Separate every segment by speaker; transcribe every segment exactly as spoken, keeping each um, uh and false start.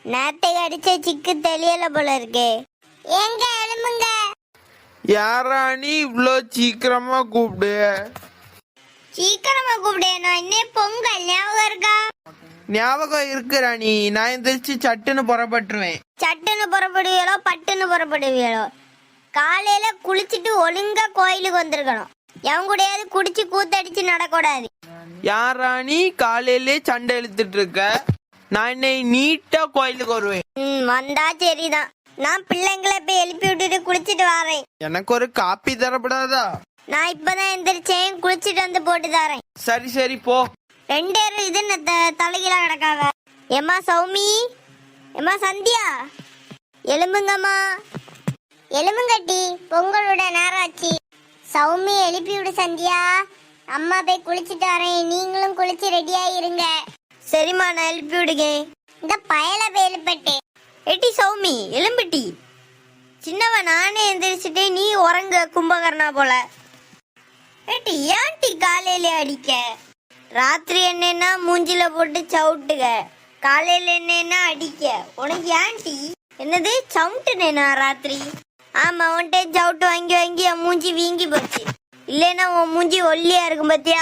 Speaker 1: நேத்தை அடிச்ச சிக்கு தெரியல போல இருக்கே. எங்க எழும்புங்க.
Speaker 2: யாரா நீ இவ்வளோ சீக்கிரமா கூப்பிடு?
Speaker 1: சீக்கிரமா கூப்பிடு. நான் இன்னும் பொங்கல் ஞாபகம் இருக்கா?
Speaker 2: ஞாபகம் இருக்கு ராணி. நான் எந்திரிச்சு சட்டுன்னு புறப்பட்டுருவேன்.
Speaker 1: சட்டுன்னு புறப்படுவீங்களோ பட்டுன்னு புறப்படுவீங்களோ? காலையில குளிச்சுட்டு ஒழுங்கா கோயிலுக்கு வந்திருக்கணும். எவன் கூடயாவது குடிச்சு கூத்தடிச்சு நடக்கூடாது.
Speaker 2: யார் ராணி காலையிலே சண்டை இழுத்துட்டு இருக்க? நான் என்னை நீட்டா கோயிலுக்கு வருவேன்.
Speaker 1: ம் வந்தா சரிதான். நான் பிள்ளைங்களை போய் எழுப்பி விட்டுட்டு குளிச்சுட்டு வரேன்.
Speaker 2: எனக்கு ஒரு காப்பி தரப்படாதா?
Speaker 1: நான் இப்பதான் எந்திரிச்சேன், குளிச்சுட்டு வந்து போட்டு தரேன்.
Speaker 2: சரி சரி போ.
Speaker 1: ரெண்டு பேரும் இது என்ன தலைகீழா கிடக்காவ? எம்மா சௌமி, எம்மா சந்தியா, எலும்புங்கம்மா. எலும்புங்கட்டி, பொங்கலோட நேரம் ஆச்சு. சௌமி எழுப்பி விடு சந்தியா. அம்மா போய் குளிச்சுட்டு வரேன், நீங்களும் குளிச்சு ரெடியா இருங்க. சரிம்மா, நான் எழுப்பி விடுங்க. இந்த பயல போய் எழுப்பட்டு. எட்டி சௌமி எலும்பிட்டி. சின்னவ நானே எந்திரிச்சிட்டே, நீ உறங்க கும்பகர்ணா போல. ஏட்டி ஏன்டி காலையில அடிக்க? ராத்திரி என்னன்னா மூஞ்சில போட்டு சவுட்டுக, காலையில என்னன்னா அடிக்க. உனக்கு ஏன்டி? என்னது சவுட்டுனேனா ராத்திரி? ஆமா, உன்ட்டே சவுட்டு வாங்கி வாங்கி என் மூஞ்சி வீங்கி போச்சு. இல்லைன்னா உன் மூஞ்சி ஒல்லியா இருக்கும் பத்தியா?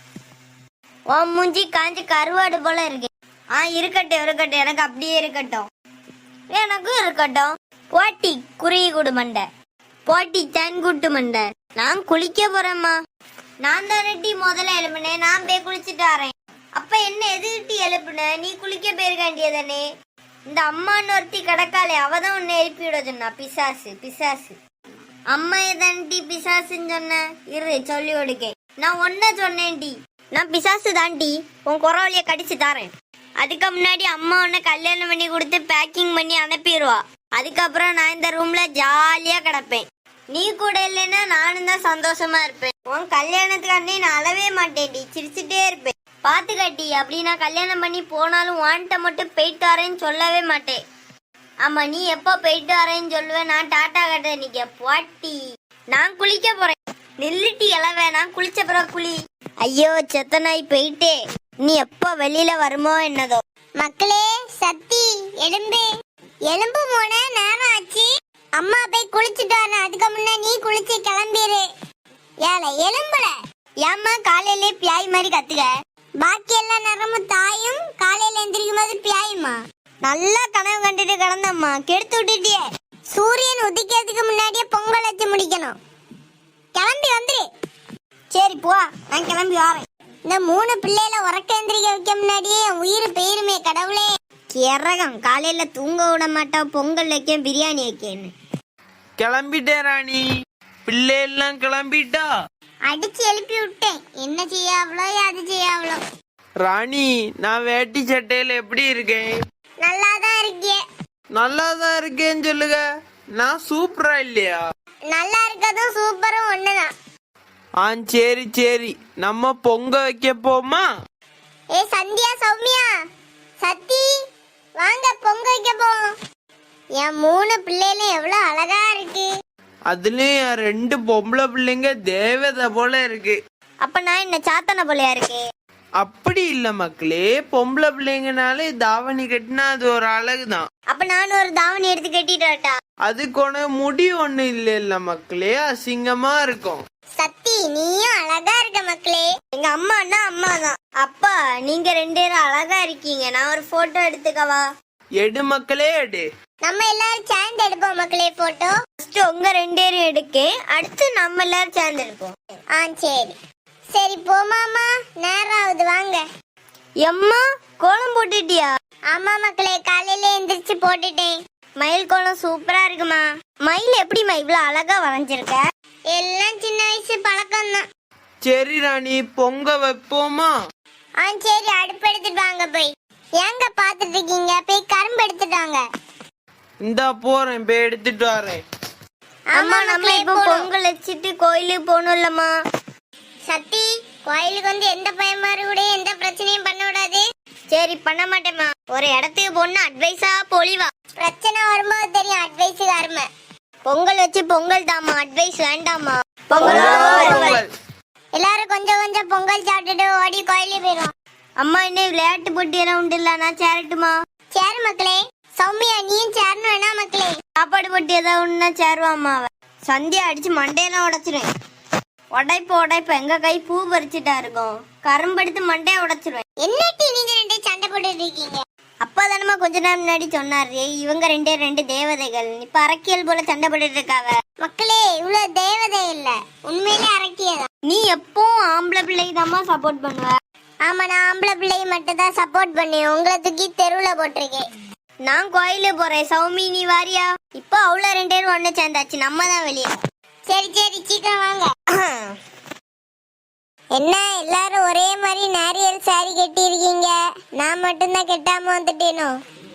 Speaker 1: உன் மூஞ்சி காஞ்சி கருவாடு போல இருக்கு. ஆ இருக்கட்டும் இருக்கட்டும், எனக்கு அப்படியே இருக்கட்டும், எனக்கும் இருக்கட்டும். போட்டி குருவி கூடு மண்டை, போட்டி தன்குட்டு மண்டை. நான் குளிக்க போறேம்மா. நான் தானே முதல்ல எழுப்புனேன், நான் போய் குளிச்சுட்டு வரேன். அப்ப என்ன எதுக்கிட்டு எழுப்புன? நீ குளிக்க போயிருக்காண்டியதானே. இந்த அம்மான்னு ஒருத்தி கிடக்காளே, அவதான் உன்னை எழுப்பி விட சொன்னா. பிசாசு பிசாசு. அம்மா எதான்டி பிசாசுன்னு சொன்ன? இரு சொல்லி கொடுக்க. நான் ஒன்ன சொன்னேன்டி, நான் பிசாசு தாண்டி. உன் குறவழிய கடிச்சு தாரேன். அதுக்கு முன்னாடி அம்மா உன்னை கல்யாணம் பண்ணி கொடுத்து பேக்கிங் பண்ணி அனுப்பிடுவா. அதுக்கப்புறம் நான் இந்த ரூம்ல ஜாலியா கிடப்பேன். நீ கூட இல்லைன்னா நானும் தான் சந்தோஷமா இருப்பேன். உன் கல்யாணத்துக்கு அண்ணே நான் அழவே மாட்டேன்டி, சிரிச்சுட்டே இருப்பேன். பாத்து கட்டி, அப்படி நான் கல்யாணம் பண்ணி போனாலும் வான்ட்ட மட்டும் போயிட்டு வரேன்னு சொல்லவே மாட்டேன். ஆமா, நீ எப்போ போயிட்டு வரேன்னு சொல்லுவேன், நான் டாட்டா கட்ட நிக்க போட்டி. நான் குளிக்க போறேன். நில்லுட்டி எழவே, நான் குளிச்ச பிறகு குளி. ஐயோ செத்த நாய் போயிட்டே. நீ எப்போ வெளியில வருமோ என்னதோ. மக்களே சத்தி எலும்பு எலும்பு போன நேரம் ஆச்சு. அம்மா போய் குளிச்சுட்டு வரேன், அதுக்கு முன்ன நீ குளிச்சு கிளம்பிடு. ஏல எலும்புல ஏம்மா காலையிலே பியாய் மாதிரி கத்துக்க? பாக்கி எல்லா நேரமும் தாயும், காலையில எந்திரிக்கும் போது பியாயுமா? நல்லா கனவு கண்டுட்டு கிடந்தம்மா, கெடுத்து விட்டுட்டியே. சூரியன் உதிக்கிறதுக்கு முன்னாடியே பொங்கல் வச்சு முடிக்கணும். கிளம்பி வந்துரு. சரி போ, நான் கிளம்பி வரேன். இந்த மூணு பிள்ளைல உறக்க எந்திரிக்க வைக்க முன்னாடியே என் உயிர் பெயருமே கடவுளே. கிறகம் காலையில தூங்க விட மாட்டோம், பொங்கல் வைக்க பிரியாணி வைக்கன்னு.
Speaker 2: கிளம்பிட்டேன் ராணி. பிள்ளை எல்லாம் கிளம்பிட்டா?
Speaker 1: அடிச்சு எழுப்பி விட்டேன். என்ன செய்யாவளோ அது செய்யாவளோ.
Speaker 2: ராணி, நான் வேட்டி சட்டையில எப்படி இருக்கேன்?
Speaker 1: நல்லாதான் இருக்கே.
Speaker 2: நல்லாதான் இருக்கேன்னு சொல்லுங்க. நான் சூப்பரா இல்லையா?
Speaker 1: நல்லா இருக்கதும் சூப்பரும் ஒண்ணுதான்.
Speaker 2: ஆ சரி சரி, நம்ம பொங்க வைக்க போமா?
Speaker 1: ஏ சந்தியா, சௌமியா, சத்தி, வாங்க பொங்க வைக்க போவோம். என் மூணு பிள்ளைகளும் எவ்வளவு அழகா இருக்கு.
Speaker 2: அதுலயும் என் ரெண்டு பொம்பளை பிள்ளைங்க தேவதை போல இருக்கு.
Speaker 1: அப்ப நான் என்ன சாத்தனை போலயா இருக்கு?
Speaker 2: அப்படி இல்ல மக்களே, பொம்பளை பிள்ளைங்கனாலே தாவணி கட்டினா அது ஒரு அழகுதான்.
Speaker 1: அப்ப நானும் ஒரு தாவணி எடுத்து கட்டிட்டா?
Speaker 2: அதுக்கு ஒண்ணு முடி ஒண்ணு இல்ல இல்ல மக்களே, அசிங்கமா இருக்கும்.
Speaker 1: சத்தி, நீயும் அழகா இருக்க மக்களே. எங்க அம்மான்னா அம்மா தான். அப்பா நீங்க ரெண்டு பேரும் அழகா இருக்கீங்க. நான் ஒரு போட்டோ எடுத்துக்கவா?
Speaker 2: எடு மக்களே எடு.
Speaker 1: நம்ம எல்லாரும் சேர்ந்து எடுப்போம் மக்களே போட்டோ. ஃபர்ஸ்ட் உங்க ரெண்டு பேரும் எடுக்க, அடுத்து நம்ம எல்லாரும் சேர்ந்து எடுப்போம். ஆ சரி சரி போமாமா, நேரம் ஆகுது வாங்க. எம்மா கோலம் போட்டுட்டியா? ஆமா மக்களே, காலையில எந்திரிச்சு போட்டுட்டேன். மயில் கோலம் சூப்பரா இருக்குமா? மயில் எப்படிமா இவ்வளவு அழகா வரைஞ்சிருக்க? எல்லாம் சின்ன வயசு பழக்கம் தான்.
Speaker 2: சரி ராணி, பொங்க வைப்போமா?
Speaker 1: ஆ சரி, அடுப்பு எடுத்துட்டு வாங்க. போய் ஏங்க பாத்துட்டு இருக்கீங்க? போய் கரும்பு எடுத்துட்டு வாங்க.
Speaker 2: இந்தா போறேன், போய் எடுத்துட்டு வரேன்.
Speaker 1: அம்மா நம்ம இப்போ பொங்கல் வச்சுட்டு கோயிலுக்கு போகணும்லம்மா. சத்தி, கோயிலுக்கு வந்து எந்த பயமாரு கூட எந்த பிரச்சனையும் பண்ண விடாது. சரி பண்ண மாட்டேம்மா. ஒரு இடத்துக்கு போனா அட்வைஸா பொழிவா. பிரச்சனை வரும்போது தெரியும் அட்வைஸ் அருமை. பொங்கல் வச்சு பொங்கல் தாமா, அட்வைஸ் வேண்டாமா. பொங்கல். எல்லாரும் கொஞ்சம் கொஞ்சம் பொங்கல் சாப்பிட்டுட்டு ஓடி கோயிலுக்கு போயிடும். அம்மா இன்னும் விளையாட்டு போட்டி எல்லாம் உண்டு இல்ல, நான் சேரட்டுமா? சேரு மக்களே. சௌமியா நீயும் சேரணும் வேணா மக்களே. சாப்பாடு போட்டு ஏதாவது ஒண்ணா சேருவாமா அவ. சந்தியா அடிச்சு மண்டையெல்லாம் உடைச்சிருவேன். உடைப்ப உடைப்ப எங்க கை பூ பறிச்சுட்டா இருக்கும். கரும்பெடுத்து மண்டைய உடைச்சிருவேன். என்னட்டி நீங்க ரெண்டே சண்டை போட்டுட்டு இருக்கீங்க? அப்பா தானமா கொஞ்ச நேரம் முன்னாடி சொன்னாரு இவங்க ரெண்டே ரெண்டு தேவதைகள். இப்ப அரக்கியல் போல சண்டை போட்டுட்டு இருக்காவ. மக்களே இவ்வளவு தேவதை இல்ல, உண்மையிலே அரக்கியதான். நீ எப்பவும் ஆம்பளை பிள்ளைக்கு தாம்மா சப்போர்ட் பண்ணுவ. ஆமா நான் ஆம்பளை பிள்ளைக்கு மட்டும் தான் சப்போர்ட் பண்ணேன். உங்களை தூக்கி தெருவுல போட்டிருக்கேன். நான் கோயிலுக்கு போறேன். சௌமி நீ வாரியா? இப்போ அவ்வளோ ரெண்டு பேரும் ஒண்ணு சேர்ந்தாச்சு. நம்ம தான் வெளியே. சரி சரி சீக்கிரம் வாங்க. என்ன எல்லாரும் ஒரே மாதிரி நாரியல் சாரி கட்டி இருக்கீங்க, நான் மட்டும்தான் கெட்டாம வந்துட்டேனோ?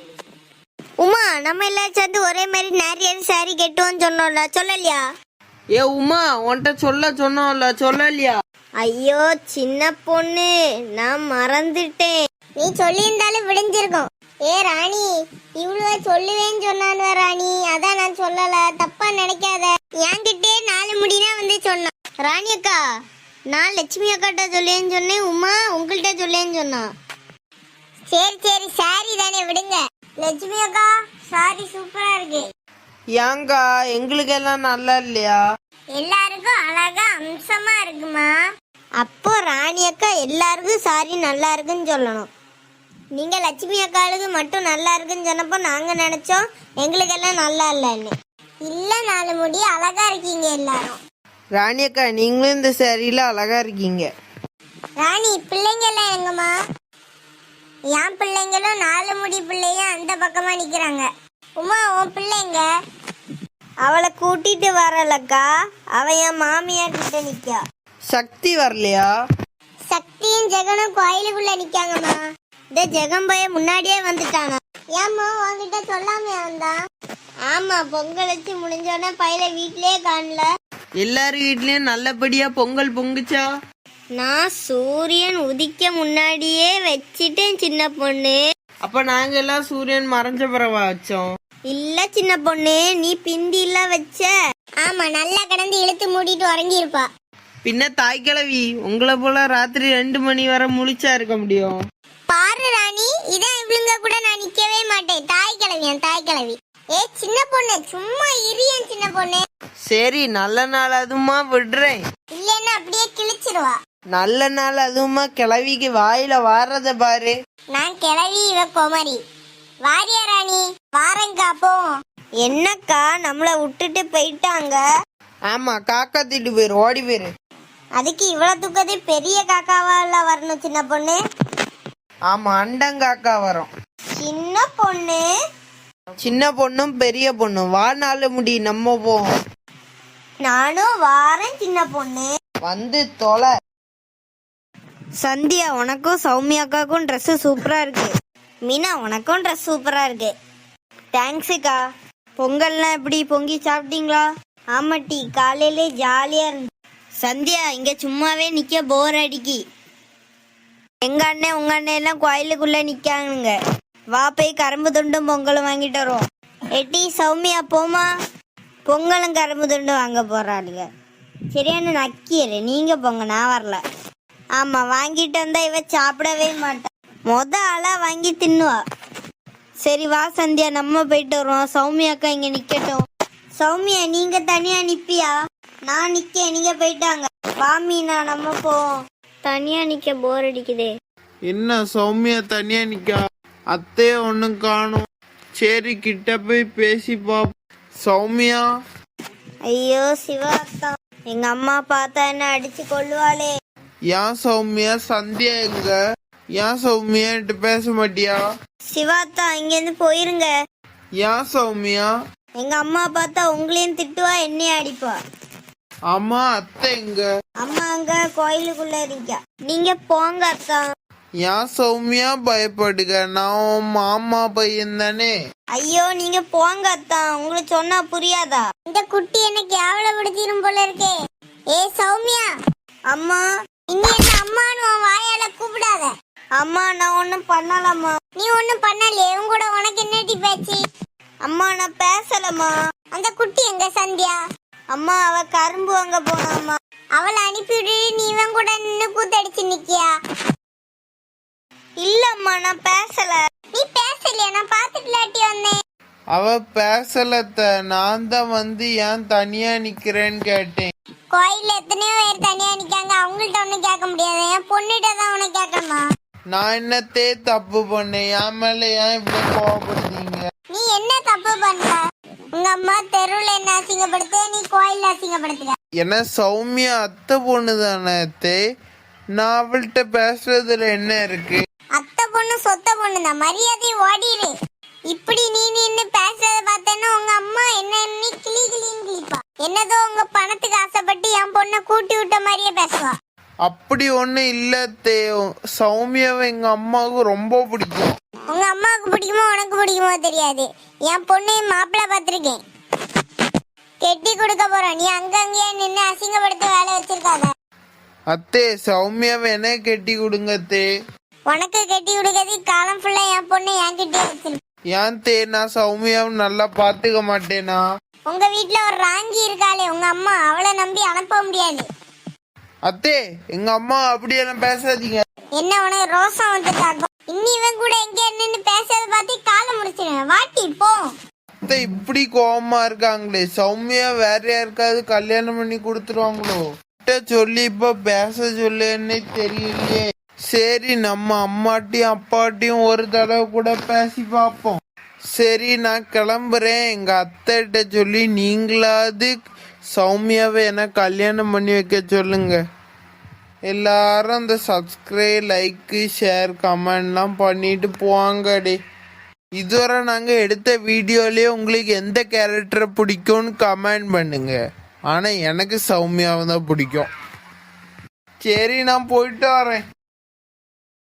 Speaker 1: உமா நம்ம எல்லாரும் சேர்ந்து ஒரே மாதிரி நாரியல் சாரி கெட்டுவோம்னு சொன்னோம்ல, சொல்லலையா?
Speaker 2: ஏ உமா உன்கிட்ட சொல்ல சொன்னோம்ல, சொல்லலையா?
Speaker 1: ஐயோ சின்ன பொண்ணு நான் மறந்துட்டேன். நீ சொல்லியிருந்தாலும் விடிஞ்சிருக்கும். ஏ ராணி இவ்வளவு சொல்லுவேன்னு சொன்னான் ராணி, அதான் நான் சொல்லல, தப்பா நினைக்காத. என்கிட்டே நாலு முடினா வந்து சொன்னான். ராணி அக்கா நான் லட்சுமி அக்காட்ட சொல்லேன்னு சொன்னேன், உமா உங்கள்கிட்ட சொல்லேன்னு சொன்னான். சரி சரி சாரி தானே விடுங்க. லட்சுமி அக்கா சாரி சூப்பரா இருக்கு.
Speaker 2: ஏங்கா எங்களுக்கு எல்லாம் நல்லா இல்லையா?
Speaker 1: எல்லாருக்கும் அழகா அம்சமா இருக்குமா. அப்போ ராணி அக்கா எல்லாருக்கும் சாரி நல்லா இருக்குன்னு சொல்லணும். நீங்க லட்சுமி அக்காளுக்கு மட்டும் நல்லா இருக்குன்னு சொன்னப்போ நாங்க நினைச்சோம் எங்களுக்கு எல்லாம் நல்லா இல்லைன்னு. இல்ல நாலு முடி அழகா இருக்கீங்க எல்லாரும்.
Speaker 2: ராணி அக்கா நீங்களும் இந்த சேரீல அழகா இருக்கீங்க.
Speaker 1: ராணி பிள்ளைங்க எல்லாம் எங்கம்மா? என் பிள்ளைங்களும் நாலு முடி பிள்ளையும் அந்த பக்கமா நிக்கிறாங்க. உமா உன் பிள்ளைங்க? அவளை கூட்டிட்டு வரலக்கா, அவ என் மாமியார் கிட்ட நிக்கா.
Speaker 2: சக்தி வரலையா?
Speaker 1: சக்தியும் ஜெகனும் கோயிலுக்குள்ள நிக்காங்கம்மா. இந்த ஜெகம் பைய முன்னாடியே வந்துட்டானா? ஏம்மா உன்கிட்ட சொல்லாம வந்தான்? ஆமா பொங்கல் வச்சு முடிஞ்சோடனே பையில வீட்லயே காணல.
Speaker 2: எல்லாரும் வீட்லயும் நல்லபடியா பொங்கல் பொங்குச்சா?
Speaker 1: நான் சூரியன் உதிக்க முன்னாடியே வச்சிட்டேன் சின்ன பொண்ணு.
Speaker 2: அப்ப நாங்க எல்லாம் சூரியன் மறைஞ்ச பிறவா வச்சோம்.
Speaker 1: இல்ல சின்ன பொண்ணு நீ பிந்தி இல்ல வச்ச. ஆமா நல்லா கடந்து இழுத்து மூடிட்டு உறங்கி இருப்பா.
Speaker 2: பின்ன தாய் கிழவி உங்களை போல ராத்திரி ரெண்டு மணி வரை முழிச்சா இருக்க முடியும்?
Speaker 1: பாரு ராணி இதான் இவளுங்க கூட நான் நிக்கவே மாட்டேன். தாய் கிழவியன் தாய் கிழவி. ஏ சின்ன பொண்ணு சும்மா இரியன் சின்ன பொண்ணு.
Speaker 2: சரி நல்ல நாள் அதுமா விடுறேன்.
Speaker 1: இல்லன்னா அப்படியே கிழிச்சிருவா.
Speaker 2: நல்ல நாள் அதுமா கிழவிக்கு வாயில வாரத பாரு.
Speaker 1: நான் கிழவி இவ குமரி. வாரியா ராணி? வாரங்கா போ. என்னக்கா நம்மள விட்டுட்டு போயிட்டாங்க?
Speaker 2: ஆமா காக்கா திட்டு போயிரு, ஓடி போயிரு.
Speaker 1: அதுக்கு இவ்வளவு தூக்கத்தை பெரிய காக்காவா வரணும் சின்ன பொண்ணு?
Speaker 2: ஆமா அண்டங்காக்கா வரும்.
Speaker 1: சின்ன பொண்ணு
Speaker 2: சின்ன பொண்ணும் பெரிய பொண்ணும் வா, நாலு முடி நம்ம போவோம்.
Speaker 1: நானும் வாரேன் சின்ன பொண்ணு.
Speaker 2: வந்து தொலை.
Speaker 1: சந்தியா உனக்கும் சௌமியாக்காக்கும் ட்ரெஸ் சூப்பரா இருக்கு. மீனா உனக்கும் ட்ரெஸ் சூப்பரா இருக்கு. தேங்க்ஸுக்கா. பொங்கல்லாம் எப்படி பொங்கி சாப்பிட்டீங்களா? ஆமாட்டி காலையிலே ஜாலியா இருந்து. சந்தியா இங்க சும்மாவே நிக்க போர் அடிக்கி. எங்க அண்ணன் உங்க அண்ணன் எல்லாம் கோயிலுக்குள்ள நிக்காங்க. வா போய் கரும்பு துண்டும் பொங்கலும் வாங்கிட்டு வருவோம். எட்டி சௌமியா போமா, பொங்கலும் கரும்பு துண்டும் வாங்க போறாளுங்க. சரியான நக்கியரு, நீங்க போங்க நான் வரல. ஆமா வாங்கிட்டு வந்தா இவ சாப்பிடவே மாட்டா, மொத ஆளா வாங்கி தின்னுவா. சரி வா சந்தியா நம்ம போயிட்டு வருவோம். சௌமியா அக்கா இங்க நிக்கட்டும். சௌமியா நீங்க தனியா நிப்பியா? நான் நிக்க நீங்க போயிட்டாங்க. வா மீனா நம்ம போவோம். தனியா நிக்க போர் அடிக்குதே.
Speaker 2: என்ன சௌமியா தனியா நிக்கா? அத்தைய ஒண்ணும் காணும். சரி கிட்ட போய் பேசி பாப்போம். சௌமியா.
Speaker 1: ஐயோ சிவா எங்க அம்மா பார்த்தா என்ன அடிச்சு கொள்ளுவாளே.
Speaker 2: ஏன் சௌமியா சந்தியா எங்க? ஏன் சௌமியா என்கிட்ட பேச மாட்டியா?
Speaker 1: சிவாத்தா இங்க இருந்து போயிருங்க.
Speaker 2: ஏன் சௌமியா?
Speaker 1: எங்க அம்மா பார்த்தா உங்களையும் திட்டுவா என்னையும் அடிப்பா.
Speaker 2: அம்மா அத்தை எங்க?
Speaker 1: அம்மா அங்க கோயிலுக்குள்ள இருக்கா. நீங்க போங்க அக்கா.
Speaker 2: ஏன் சௌமியா பயப்படுக? நான் உன் மாமா பையன் தானே.
Speaker 1: ஐயோ நீங்க போங்க அத்தா, உங்களுக்கு சொன்னா புரியாதா? இந்த குட்டி என்ன கேவலப்படுத்திரும் போல இருக்கே. ஏ சௌமியா. அம்மா இங்க என்ன அம்மான்னு உன் வாயால கூப்பிடாத. அம்மா நான் ஒண்ணும் பண்ணலம்மா. நீ ஒண்ணும் பண்ணலையே, உன் கூட உனக்கு என்னடி பேச்சு? அம்மா நான் பேசலம்மா. அந்த குட்டி எங்க சந்தியா? அம்மா அவ கரும்பு வாங்க போனாம்மா. அவளை அனுப்பிவிடு, நீ இவன் கூட நின்னு கூத்தடிச்சு நிக்கியா? இல்லம்மா நான் பேசல. நீ பேசலையா? நான் பாத்துட்டு வந்தேன்.
Speaker 2: அவ பேசலத்த, நான் தான் வந்து ஏன் தனியா நிக்கிறேன்னு கேட்டேன்.
Speaker 1: கோயில்ல எத்தனையோ பேர் தனியா நிக்காங்க, அவங்கள்ட்ட ஒண்ணும் கேட்க முடியாது, என் பொண்ணுகிட்ட தான் உனக்கு கேட்கணுமா?
Speaker 2: நான் என்னத்தே தப்பு பண்ணேன்? என் மேல ஏன் இப்படி கோவப்படுறீங்க?
Speaker 1: நீ என்ன தப்பு பண்ற? உங்க அம்மா தெருவுல என்ன அசிங்கப்படுத்த, நீ கோயில்ல அசிங்கப்படுத்துற.
Speaker 2: என்ன சௌமியா அத்தை பொண்ணு தானே அத்தே, நான் அவள்கிட்ட பேசுறதுல என்ன இருக்கு?
Speaker 1: அத்தை பொண்ணு சொத்த பொண்ணு தான், மரியாதை ஓடிடு. இப்படி நீ நின்னு பேசுறத பார்த்தேன்னா உங்க அம்மா என்ன நீ கிளி கிளின்னு கிளிப்பா. என்னதோ உங்க பணத்துக்கு ஆசைப்பட்டு என் பொண்ணை கூட்டி விட்ட மாதிரியே பேசுவா.
Speaker 2: அப்படி ஒண்ணு இல்ல அத்தே, சௌமியாவை எங்க அம்மாவுக்கு ரொம்ப பிடிக்கும்.
Speaker 1: உங்க அம்மாவுக்கு பிடிக்குமோ உனக்கு பிடிக்குமோ தெரியாது, என் பொண்ணு மாப்பிள்ளை பார்த்திருக்கேன், கெட்டி கொடுக்க போறோம். நீ அங்கங்கேயே நின்னு அசிங்கப்படுத்த வேலை வச்சிருக்காத.
Speaker 2: அத்தே சௌமியாவை என்ன கெட்டி கொடுங்க அத்தே.
Speaker 1: உனக்கு கெட்டி கொடுக்கறது காலம் ஃபுல்லா என் பொண்ணு என் கிட்டே வச்சிருக்கு.
Speaker 2: ஏன் தே, நான் சௌமியாவை நல்லா பாத்துக்க மாட்டேனா?
Speaker 1: உங்க வீட்டுல ஒரு ராங்கி இருக்காளே உங்க அம்மா, அவளை நம்பி அனுப்ப முடியாது.
Speaker 2: அத்தே எங்க அம்மா அப்படியெல்லாம் பேசாதீங்க.
Speaker 1: என்ன உனக்கு ரோசம் வந்துட்டாக்கும்? இன்னி இவன் கூட எங்க நின்னு பேசுறத பார்த்து காலை முடிச்சிடுவேன், வாட்டி போ.
Speaker 2: அத்தை இப்படி கோவமா இருக்காங்களே, சௌமியா வேற யாருக்காவது கல்யாணம் பண்ணி கொடுத்துருவாங்களோ? சொல்லி இப்ப பேச சொல்லுன்னே தெரியலையே. சரி நம்ம அம்மாட்டையும் அப்பாட்டையும் ஒரு தடவை கூட பேசி பார்ப்போம். சரி நான் கிளம்புறேன். எங்க அத்தைகிட்ட சொல்லி நீங்களாவது சௌமியாவை என்ன கல்யாணம் பண்ணி வைக்க சொல்லுங்க. எல்லாரும் அந்த சப்ஸ்கிரைப் லைக்கு ஷேர் கமெண்ட்லாம் பண்ணிட்டு போவாங்கடி. இதுவரை நாங்கள் எடுத்த வீடியோலேயே உங்களுக்கு எந்த கேரக்டரை பிடிக்கும்னு கமெண்ட் பண்ணுங்க. ஆனால் எனக்கு சௌமியாவை தான் பிடிக்கும். சரி நான் போயிட்டு வரேன்.